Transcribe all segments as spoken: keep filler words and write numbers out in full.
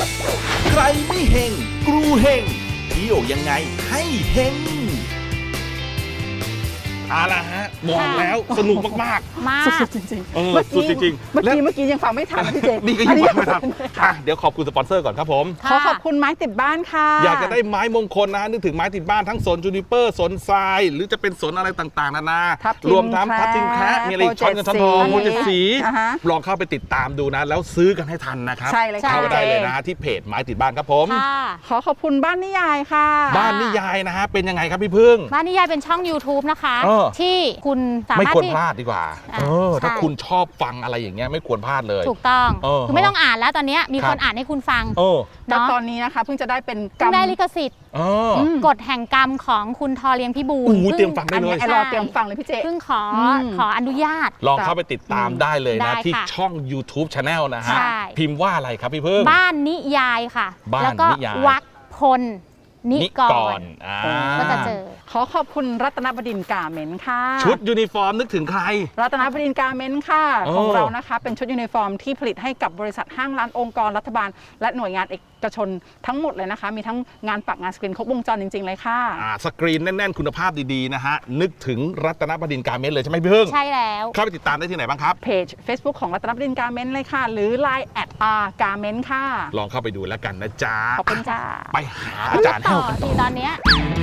ใครไม่เฮงกรูเฮงเที่ยวยังไงให้เฮงเอาละฮะบอกแล้วสนุกมากมากสุดๆจริงๆเออเมื่อสุดกี้จริงเมื่อๆแล้วกี้เมื่อกี้ยังฟังไม่ทันนะพี่เจนี่ก็ยังฟังไม่ทันอ่ะเดี๋ยวขอบคุณสปอนเซอร์ก่อนครับผมขอขอบคุณไม้ติดบ้านค่ะอยากจะได้ไม้มงคลนะฮะนึกถึงไม้ติดบ้านทั้งสนจูนิเปอร์สนทราย หรือจะเป็นสนอะไรต่างๆนานาทับทิมรวมทั้งทับทิมแคระมีอะไรอีกช้อนเงินช้อนทองโมเจดสีอ่าฮะลองเข้าไปติดตามดูนะ แล้วซื้อกันให้ทันนะครับใช่เลยค่ะเข้าไปได้เลยนะที่เพจไม้ติดบ้านครับผมค่ะขอขอบคุณบ้านนิยายค่ะบ้านนิยายนะฮะเป็นยังไงครับพี่พึ่งบ้านนิยายเป็นช่อง YouTube นะคะเออที่คุณสาไม่มารถควรที่พลาดดีกว่าอ่าเออถ้าใช่คุณชอบฟังอะไรอย่างเงี้ยไม่ควรพลาดเลยถูกต้องเออคือไม่ต้องอ่านแล้วตอนเนี้ยมีครับคนอ่านให้คุณฟังเออแล้วเนาะตอนนี้นะคะเพิ่งจะได้เป็นกรเพิ่รง มได้ลิขสิทธิ์เอออืมกฎแห่งกรรมของคุณทอเลียงพิบูลโอ้โหพิ่เตรียมฟังได้เลยอันไอ้นี้รอใช่เตรียมฟังเลยพี่เจเพิ่งขอมขออนุญาตลองเข้าไปติดตามได้เลยได้นะค่ะที่ช่อง YouTube Channel นะฮะใช่พิมพ์ว่าอะไรครับพี่พึ่งบ้านนิยายค่ะบ้านแล้วก็นิยายวักพลนินิกกรรอ่าก็จะเจอขอขอบคุณรัตนบดินทร์กาเมนต์ค่ะชุดยูนิฟอร์มนึกถึงใครรัตนบดินทร์กาเมนต์ค่ะโอ้ของเรานะคะเป็นชุดยูนิฟอร์มที่ผลิตให้กับบริษัทห้างร้านองค์กรรัฐบาล และหน่วยงานเอกชนทั้งหมดเลยนะคะ มีทั้งงานปักงานสกรีนครบวงจรจริง ๆ เลยค่ะอ่าสกรีนแน่น ๆ คุณภาพดีๆนะฮะ นึกถึงรัตนบดินทร์การเมนต์เลยใช่ไหมพี่พึ่งใช่แล้วเข้าไปติดตามได้ที่ไหนบ้างครับเพจ Facebook ของรัตนบดินทร์กาเมนต์เลยค่ะ หรือ ไลน์ แอท อาร์ กาเมนต์ ค่ะลองเข้าไปดูแล้วกันนะจ๊ะขอบคุณจ้าไปหาอาจารย์ต่เท่าอกันต่ทีอตอนเนี้ย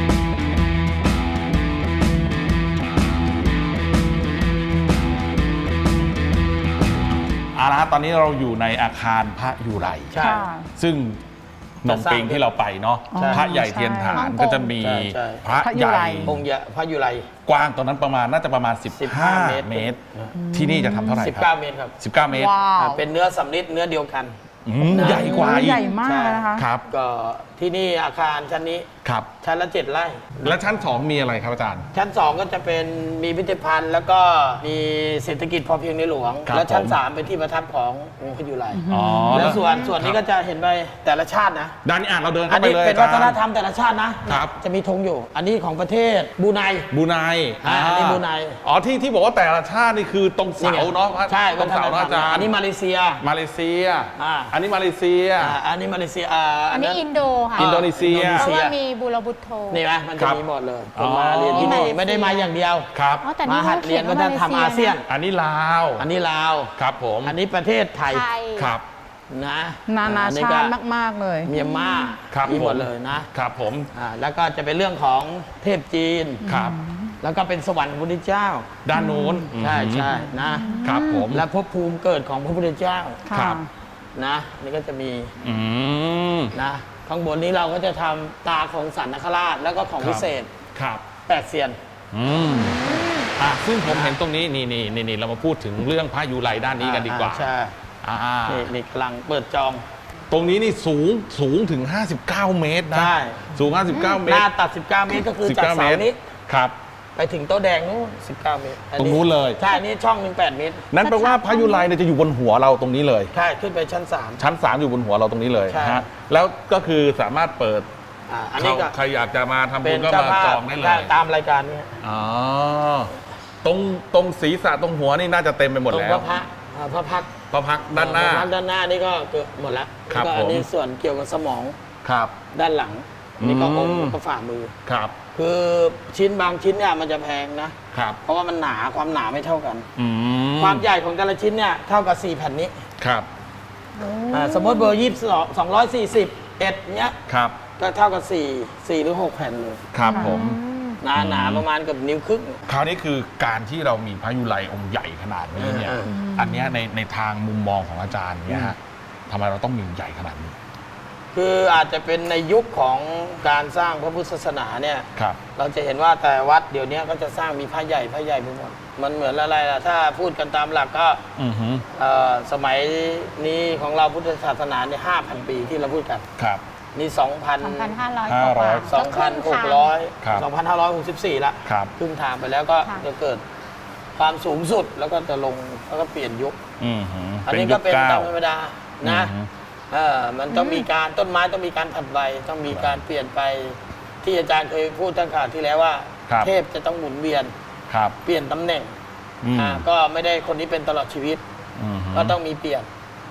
เอาละฮะตอนนี้เราอยู่ในอาคารพระยุไรใช่ค่ะซึ่งหนองปิงที่เราไปเนาะใช่พระใหญ่เทียนฐานก็จะมีใช่ใช่พระพระยุใหญ่ไรองค์ใหญ่พระยุไรกว้างตรงนั้นประมาณน่าจะประมาณสิบ 15 ห้าเมตรเมตร ที่นี่จะทำเท่าไหร่สิบครัเก้าบเมตรครับสิบเก้าเมตรว้าวอ่าเป็นเนื้อสำริดเนื้อเดียวกันอืมใหญ่กว่าอีใหกญ่มากนะคะครับก็ที่นี่อาคารชั้นนี้ครับชั้นละเจ็ดไร่แล้วชั้นสองมีอะไรครับอาจารย์ชั้นสองก็จะเป็นมีพิพิธภัณฑ์ แล้วก็มีเศรษฐกิจพอเพียงในหลวงครับแล้วชั้นผมสามเป็นที่ประทับขององค์พระยุไรอ๋อแล้วส่วนส่วนนี้คก็รับจะเห็นไปแต่ละชาตินะด้านนี้อ่ะเราเดินอัเข้าน ไปนี้เลยเป็นอาวัฒจารนย์ธรรมแต่ละชาตินะครับ จะมีธงอยู่ อันนี้ของประเทศบรูไนบรูไนอ่าอันนี้บรูไนอ๋อที่ที่บอกว่าแต่ละชาตินี่คือตรงเสาเนาะใช่ตรงเสาเนาะอาจารย์อันนี้มาเลเซียมาเลเซียอ่าอันนี้มาเลเซียอ่าอันนี้มาเลเซียอ่าอันนี้อินโดค่ะอินโดนีเซียเพราะว่ามีบูรบุตรโธนี่ไหมมันคจะรับมีหมดเลยอ๋อมาเรียนที่นี่นี่มาเลเซียไม่ได้มาอย่างเดียวครับอ๋อแต่มานี่หัดเรียนก็จะทำอาเซียนอันนี้ลาวอันนี้ลาวครับผมอันนี้ประเทศไทยไทยครับนะนานาอัชาติก็มาก ๆ เลยเมียนมาครับมีหมดผมเลยนะครับผมอ่าแล้วก็จะเป็นเรื่องของเทพจีนครับแล้วก็เป็นสวรรค์ของพระพุทธเจ้าด้านโน้นใช่ใช่นะครับผมและภพภูมิเกิดของพระพุทธเจ้าครับนะนี่ก็จะมีอืมนะข้างบนนี้เราก็จะทำตาของสันนคราชแล้วก็ของครับวิเศษครับแปดเซียนอืมอ่ะซึ่งผมเห็นตรงนี้นี่นี่นี่นี่เรามาพูดถึงเรื่องพระยูไรด้านนี้กันดีกว่าอ่ใช่อ่านี่นี่กำลังเปิดจองตรงนี้นี่สูงสูงถึง ห้าสิบเก้า เมตรนะใช่สูง ห้าสิบเก้า เมหตน้าร ตัด สิบเก้า เมตรก็คือจากสิบเสาเก้นี้ครับไปถึงโต๊ะแดงนู้นสิบเก้า เมตรอัตรงนู้นเลยใช่อันนี่ช่องหนึ่งแปดเมตรนั่นแปลว่าพระยูไรเนี่ยจะอยู่บนหัวเราตรงนี้เลยใช่ ขึ้นไปชั้นสามชั้นสามอยู่บนหัวเราตรงนี้เลยใช่ฮะแล้วก็คือสามารถเปิดอ่าอันนี้ก็ใครอยากจะมาทำเป็บุนญก็เจ้ามาภาจพองได้เลยตามรายการนี้อ๋อตรงตรงศีรษะตรงหัวนี่น่าจะเต็มไปหมดตรงแล้พวระพักตร์อ่าพระพักตร์พระพักตร์ด้านหน้าพระพักตร์ด้านหน้านี่ก็เกิดหมดแล้วครับแล้วก็อันนี้ผมส่วนเกี่ยวกับสมองครับด้านหลัง นี่ก็องค์อืมแล้วก็ฝ่ามือครับคือชิ้นบางชิ้นเนี่ยมันจะแพงนะครับเพราะว่ามันหนาความหนาไม่เท่ากันอืมความใหญ่ของแต่ละชิ้นเนี่ยเท่ากับสี่แผ่นนี้ครับอ่าสมมติเบอร์ยี่สิบสองสองร้อยสี่สิบเอ็ดเนี้ยครับก็เท่ากับสี่สี่หรือหกแผ่นเลยครับผมหนาหนาประมาณเกับนิ้วครึ่งคราวนี้คือการที่เรามีพระยุไรองค์ใหญ่ขนาดนี้เนี่ยเอออันเนี้ยในในทางมุมมองของอาจารย์เนี่ยฮะทำไมเราต้องมีใหญ่ขนาดนี้คืออาจจะเป็นในยุคของการสร้างพระพุทธศาสนาเนี่ยครับเราจะเห็นว่าแต่วัดเดี๋ยวนี้ก็จะสร้างมีพระใหญ่พระใหญ่ไปหมดมันเหมือนอะไรล่ะถ้าพูดกันตามหลักก็อือฮึเอ่อสมัยนี้ของเราพุทธศาสนาเนี่ยห้าพันปีที่เราพูดกันครับนี่สองพันสองพันห้าร้อยห้าร้อยสองพันหกร้อยครับสองพันห้าร้อยหกสิบสี่ละครับครึ่งทางไปแล้วก็ค่ะจะเกิดความสูงสุดแล้วก็จะลงแล้วก็เปลี่ยนยุคอือฮึอันนี้ก็เป็นยุคตาเก้ามธรรมดานะอือฮึเออมันต้องมีการต้นไม้ต้องมีการผัดใบต้องมีการเปลี่ยนไปที่อาจารย์เคยพูดตั้งข่าวที่แล้วว่าครับเทพจะต้องหมุนเวียนครับเปลี่ยนตำแหน่งอืมอ่าก็ไม่ได้คนนี้เป็นตลอดชีวิตอือฮึก็ต้องมีเปลี่ยน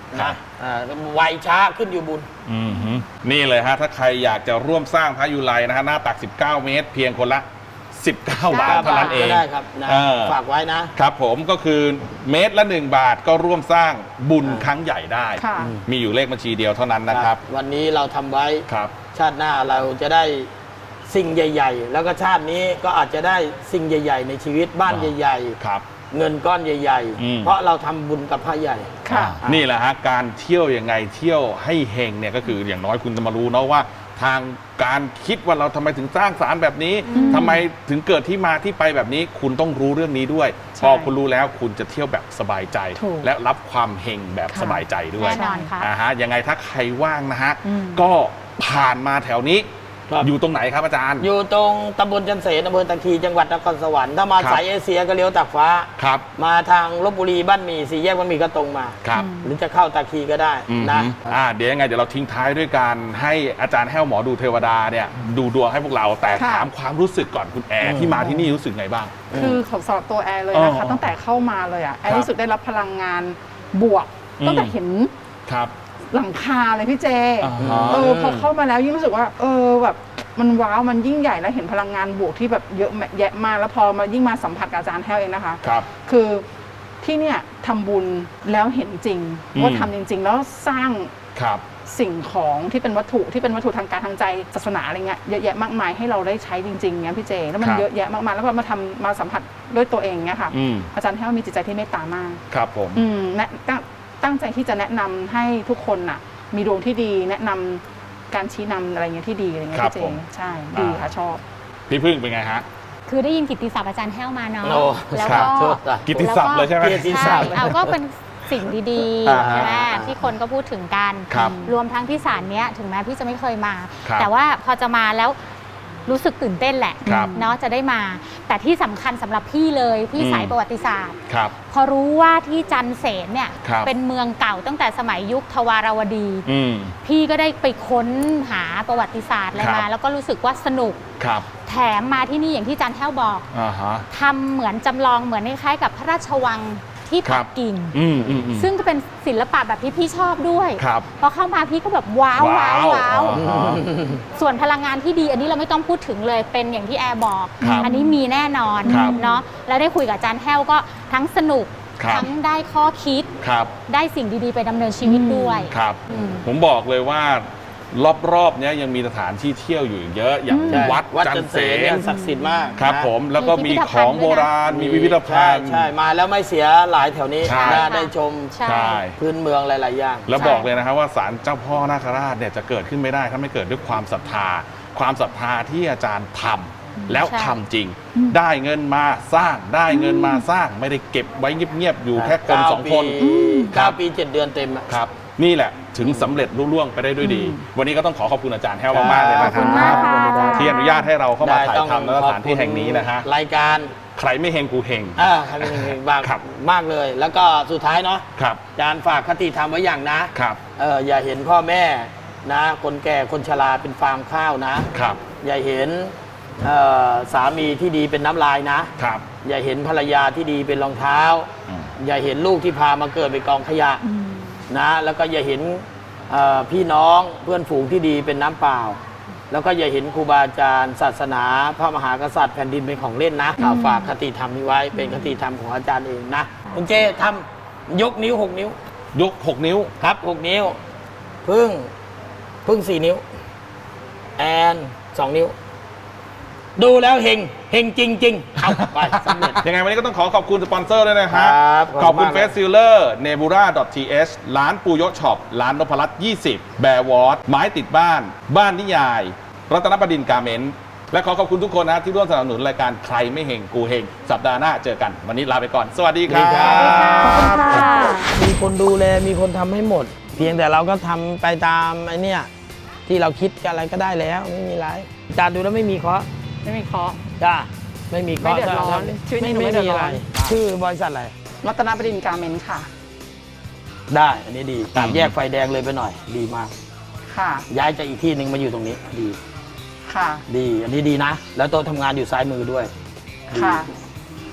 ครับนะอ่าไวช้าขึ้นอยู่บุญอืมฮึนี่เลยฮะถ้าใครอยากจะร่วมสร้างพระยุไลนะฮะหน้าตัก สิบเก้า เมตร เพียงคนละ สิบเก้า บาทเท่านั้นเองก็ได้ครับนะเออฝากไว้นะครับผมก็คือเมตรละ หนึ่ง บาทก็ร่วมสร้างบุญครั้งใหญ่ได้ค่ะมีอยู่เลขบัญชีเดียวเท่านั้นนะครับวันนี้เราทำไว้ครับชาติหน้าเราจะได้สิ่งใหญ่ ๆ แล้วก็ชาตินี้ก็อาจจะได้สิ่งใหญ่ ๆ ในชีวิตบ้านใหญ่ครับๆ เงินก้อนใหญ่อืมๆ เพราะเราทำบุญกับพระใหญ่ค่ะนี่แหละฮะการเที่ยวยังไงเที่ยวให้เฮงเนี่ยก็คืออย่างน้อยคุณจะมารู้เนาะว่า ทางการคิดว่าเราทำไมถึงสร้างสารแบบนี้ทำไมถึงเกิดที่มาที่ไปแบบนี้ คุณต้องรู้เรื่องนี้ด้วยใช่พอคุณรู้แล้วคุณจะเที่ยวแบบสบายใจถูกและรับความเฮงแบบค่ะสบายใจด้วยแน่นอนค่ะอ่าฮะยังไงถ้าใครว่างนะฮะอืมก็ผ่านมาแถวนี้ครับอยู่ตรงไหนครับอาจารย์อยู่ตรงตำบลจันเสนอำเภอตะคีจังหวัดนครสวรรค์ถ้ามาครับสายเอเชียก็เลี้ยวตากฟ้าครับมาทางลบบุรีบ้านหมี่สี่แยกบ้านหมี่ก็ตรงมาครับหรือจะเข้าตะคีก็ได้อืมนะอ่าเดี๋ยวยังไงเดี๋ยวเราทิ้งท้ายด้วยการให้อาจารย์แห้วหมอดูเทวดาเนี่ยดูดวงให้พวกเราแต่ค่ะถามความรู้สึกก่อนคุณแอร์ที่มาที่นี่รู้สึกไงบ้างคือของสำหรับตัวแอร์เลยนะคะอ๋อตั้งแต่เข้ามาเลยอ่ะแอครัร์บรู้สึกได้รับพลังงานบวกอืมตั้งแต่เห็นครับหลังคาเลยพี่เจอ่าฮะเออพอเข้ามาแล้วยิ่งรู้สึกว่า เออแบบมันว้าวมันยิ่งใหญ่แล้วเห็นพลังงานบวกที่แบบเยอะแยะมากแล้วพอมายิ่งมาสัมผัสกับอาจารย์แห้วเองนะคะครับคือที่เนี่ยทำบุญแล้วเห็นจริงอืมว่าทำจริง ๆ แล้วสร้างครับสิ่งของที่เป็นวัตถุที่เป็นวัตถุทางการทางใจศาสนาอะไรเงี้ยเยอะแยะมากมายให้เราได้ใช้จริงๆเงี้ยพี่เจแล้วมันครับเยอะแยะมากมายแล้วก็มาทำมาสัมผัสด้วยตัวเองเงี้ยค่ะอืมอาจารย์แห้วมีจิตใจที่เมตตามากครับผมอืมแนะตั้งตั้งใจที่จะแนะนำให้ทุกคนน่ะ มีดวงที่ดีแนะนำการชี้นำอะไรเงี้ยที่ดีอะไรเงี้ยครับพี่เจผมใช่ดีค่ะชอบพี่พึ่งเป็นไงฮะคือได้ยินกิตติศัพท์อาจารย์แห้วมาเนาะโอ้แล้วครัก็บโทษนะกิตติศัพท์เลยใช่ไหมเกียรติศัใช่พท์เอาก็เป็นสิ่งดีอ่าๆฮะใช่ไหมที่คนก็พูดถึงกันครับรวมทั้งที่ศาลเนี้ยถึงแม้พี่จะไม่เคยมาครับแต่ว่าพอจะมาแล้วรู้สึกตื่นเต้นแหละครับเนาะจะได้มา แต่ที่สำคัญสำหรับพี่เลยพี่อืมสายประวัติศาสตร์ครับพอรู้ว่าที่จันเสนเนี่ยครับเป็นเมืองเก่าตั้งแต่สมัยยุคทวารวดีอืมพี่ก็ได้ไปค้นหาประวัติศาสตร์อะไรครับมา แล้วก็รู้สึกว่าสนุกครับแถมมาที่นี่อย่างที่จันแท้วบอกอ่าฮะทำเหมือนจำลองเหมือนคล้ายๆกับพระราชวังที่ครัปับกกิ่งอืมอืมอืมซึ่งก็เป็นศิลปะแบบที่พี่ชอบด้วยครับพอเข้ามาพี่ก็แบบว้าวว้าวว้าวอ๋อส่วนพลังงานที่ดี อันนี้เราไม่ต้องพูดถึงเลยเป็นอย่างที่แอร์บอกครับอันนี้มีแน่นอนครับเนาะแล้วได้คุยกับอาจารย์แห้วก็ทั้งสนุกครับทั้งได้ข้อคิดครับได้สิ่งดีๆ ไปดำเนินชีวิตด้วยครับอืมผมบอกเลยว่ารอบๆเนี้ยยังมีสถานที่เที่ยวอยู่อีกเยอะอย่างใช่วัดวัดจัจันนเสเสนนเนี่ยศักดิ์สิทธิ์มากครับนะผมแล้วก็มีมีพิพิธขภัณฑ์องโบราณด้วยนะมีพิพิธภัใช่ณฑ์ใช่มาแล้วไม่เสียหลายแถวนี้ใช่น่าได้ชมใช่ใช่พื้นเมืองหลาย ๆ อย่างแล้วบอกเลยนะครับว่าศาลเจ้าพ่อนาคราชเนี่ยจะเกิดขึ้นไม่ได้ถ้าไม่เกิดด้วยความศรัทธา ความศรัทธาที่อาจารย์ทำแล้วใช่ทำจริง ได้เงินมาสร้างได้เงินมาสร้างไม่ได้เก็บไว้เงียบๆอยู่แค่คนสองคนเก้าปีเจ็ดเดือนเต็มอะครับ นี่แหละถึงสำเร็จรุ่ล่วงไปได้ด้วยดี วันนี้ก็ต้องขอขอบคุณอาจารย์แห้วมากๆเลยนะคขอบคุณรัมากบค่ะที่อนุญาตให้เราเข้ามาถ่ายได้ต้องทำในสถานที่แห่งนี้นะฮะรายการใครไม่เฮงกูเฮงอ่าใครเป็นเพลงบ้างครับมากเลย แล้วก็สุดท้ายเนาะครับอาจารย์ฝากคติธรรมไว้อย่างนะครับ เอออย่าเห็นพ่อแม่นะ คนแก่คนชราเป็นฟางข้าวนะครับอย่าเห็นเอ่อสามีที่ดีเป็นน้ำลายนะครับอย่าเห็นภรรยาที่ดีเป็นรองเท้าอืมอย่าเห็นลูกที่พามาเกิดเป็นกองขยะนะ แล้วก็อย่าเห็นเอ่อพี่น้องเพื่อนฝูงที่ดีเป็นน้ำเปล่า แล้วก็อย่าเห็นครูบาอาจารย์ศาสนา พระมหากษัตริย์แผ่นดินเป็นของเล่นนะข่าวฝากคติธรรมนี้ไว้เป็นคติธรรมของอาจารย์เองนะคุณเจทำยกนิ้วหกนิ้วยกหกนิ้วครับหกนิ้ว พึ่ง พึ่งสี่นิ้ว แอนสองนิ้ว ดูแล้วเฮงเฮงจริง ๆ เอาไปสำเร็จยังไงวันนี้ก็ต้องขอขอบคุณสปอนเซอร์ด้วยนะฮะครับขอบคุณขอบคุณมากเฟสซิลเลอร์เนบูรา .th ร้านปูโยช็อป ร้านนพรัตน์ยี่สิบ แบร์วอตไม้ติดบ้าน บ้านนิยาย รัตนประดินการเมนต์และขอขอบคุณทุกคนนะที่ร่วมสนับสนุนรายการใครไม่เฮงกูเฮงสัปดาห์หน้าเจอกัน วันนี้ลาไปก่อน สวัสดีครัสวัสดีครับ บค่ะมีคนดูแลมีคนทำให้หมด เพียงแต่เราก็ทำไปตามไอ้เนี่ยที่เราคิดกันอะไรก็ได้แล้วไม่มีไรจานดูแล้วไม่มีเคราะห์ไม่มีเคราะห์จ้าไม่มีเคราะห์ไม่เดือดร้อนชีวิตไม่หนูไม่ไม่เดือมีดร้อะไรอนชื่อบริษัทอะไรรัตนประดินการเมนต์ค่ะได้อันนี้ดีตามแยกไฟแดงเลยไปหน่อย ดีมากค่ะย้ายจากอีกที่หนึ่งมาอยู่ตรงนี้ ดีค่ะดี อันนี้ดีนะ แล้วโต๊ะทำงานอยู่ซ้ายมือด้วยค่ะ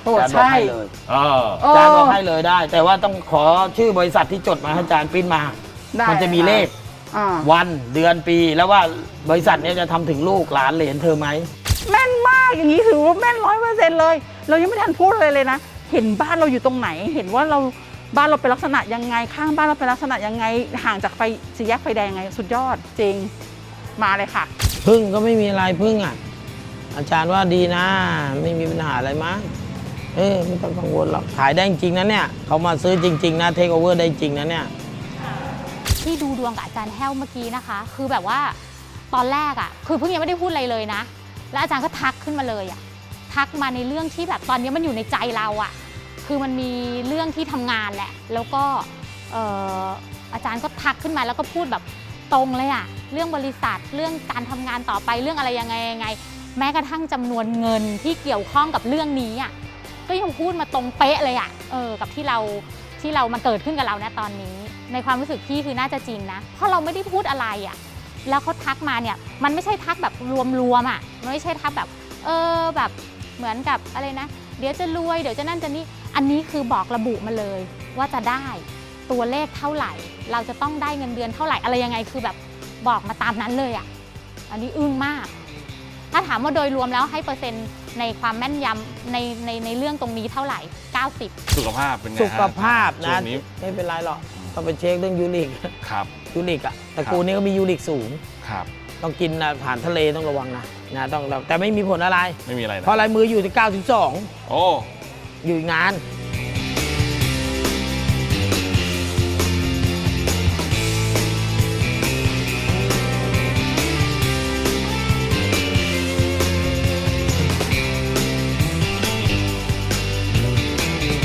โอ้อาจารย์บอกใช่ให้เลยเออโอ้อาจารย์บอกให้เลยได้ แต่ว่าต้องขอชื่อบริษัทที่จดมาให้อาจารย์ปริ้นมาได้มันจะมีเลขอ่าวันเดือนปีแล้วว่าบริษัทเนี้จะทำถึงลูกหลานเหลนเธอไหมแม่นมากอย่างนี้ถือว่าแม่นร้อยเปอร์เซ็นต์เลย เรายังไม่ทันพูดเลยเลยนะ เห็นบ้านเราอยู่ตรงไหน เห็นว่าเราบ้านเราเป็นลักษณะยังไง ข้างบ้านเราเป็นลักษณะยังไง ห่างจากไฟสี่แยกไฟแดงยังไง สุดยอดจริง มาเลยค่ะพึ่งก็ไม่มีอะไรพึ่งอ่ะ อาจารย์ว่าดีนะ ไม่มีปัญหาอะไรมั้งเออไม่ต้องกังวลหรอกขายได้จริงนะเนี่ยเขามาซื้อจริง ๆ นะเทคโอเวอร์ได้จริงนะเนี่ยที่ดูดวงกับอาจารย์แห้วเมื่อกี้นะคะ คือแบบว่าตอนแรกอะ่ะคือเพิ่งยังไม่ได้พูดอะไรเลยนะ แล้วอาจารย์ก็ทักขึ้นมาเลยอะ่ะทักมาในเรื่องที่แบบตอนนี้มันอยู่ในใจเราอะ่ะคือมันมีเรื่องที่ทำงานแหละ แล้วก็เอ่ออาจารย์ก็ทักขึ้นมาแล้วก็พูดแบบตรงเลยอะ่ะเรื่องบริษัทเรื่องการทำงานต่อไปเรื่องอะไรยังไงยังไง แม้กระทั่งจำนวนเงินที่เกี่ยวข้องกับเรื่องนี้อ่ะก็ยังพูดมาตรงเป๊ะเลยอะ่ะเออกับที่เราที่เรามันเกิดขึ้นกับเราณตอนนี้ ในความรู้สึกพี่คือน่าจะจริงนะเพราะเราไม่ได้พูดอะไรอะ่ะแล้วเขาทักมาเนี่ยมันไม่ใช่ทักแบบรวมๆอ่ะมันไม่ใช่ทักแบบเออแบบเหมือนกับอะไรนะเดี๋ยวจะรวยเดี๋ยวจะนั่นจะนี่อันนี้คือบอกระบุมาเลยว่าจะได้ตัวเลขเท่าไหร่ เราจะต้องได้เงินเดือนเท่าไหร่อะไรยังไงคือแบบบอกมาตามนั้นเลยอ่ะอันนี้อึ้งมากถ้าถามว่าโดยรวมแล้วให้เปอร์เซ็นต์ในความแม่นยำในในในเรื่องตรงนี้เท่าไหร่เก้าสิบสุขภาพเป็นไงฮะสุขภาพช่นะวงนี้ไม่เป็นไรหรอกต้องไปเช็คเรื่องยูริกครับยูริกอะตระกูลนี้ก็มียูริกสูงครับต้องกินอาหารทะเลต้องระวังนะนะต้องแต่ไม่มีผลอะไรไม่มีอะไรนะเพราะลายมืออยู่ที่เก้าสิบสองโอ้อยู่อีกนาน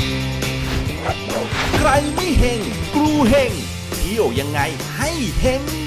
ใครไม่เฮงกรูเฮงเที่ยวยังไงให้เฮง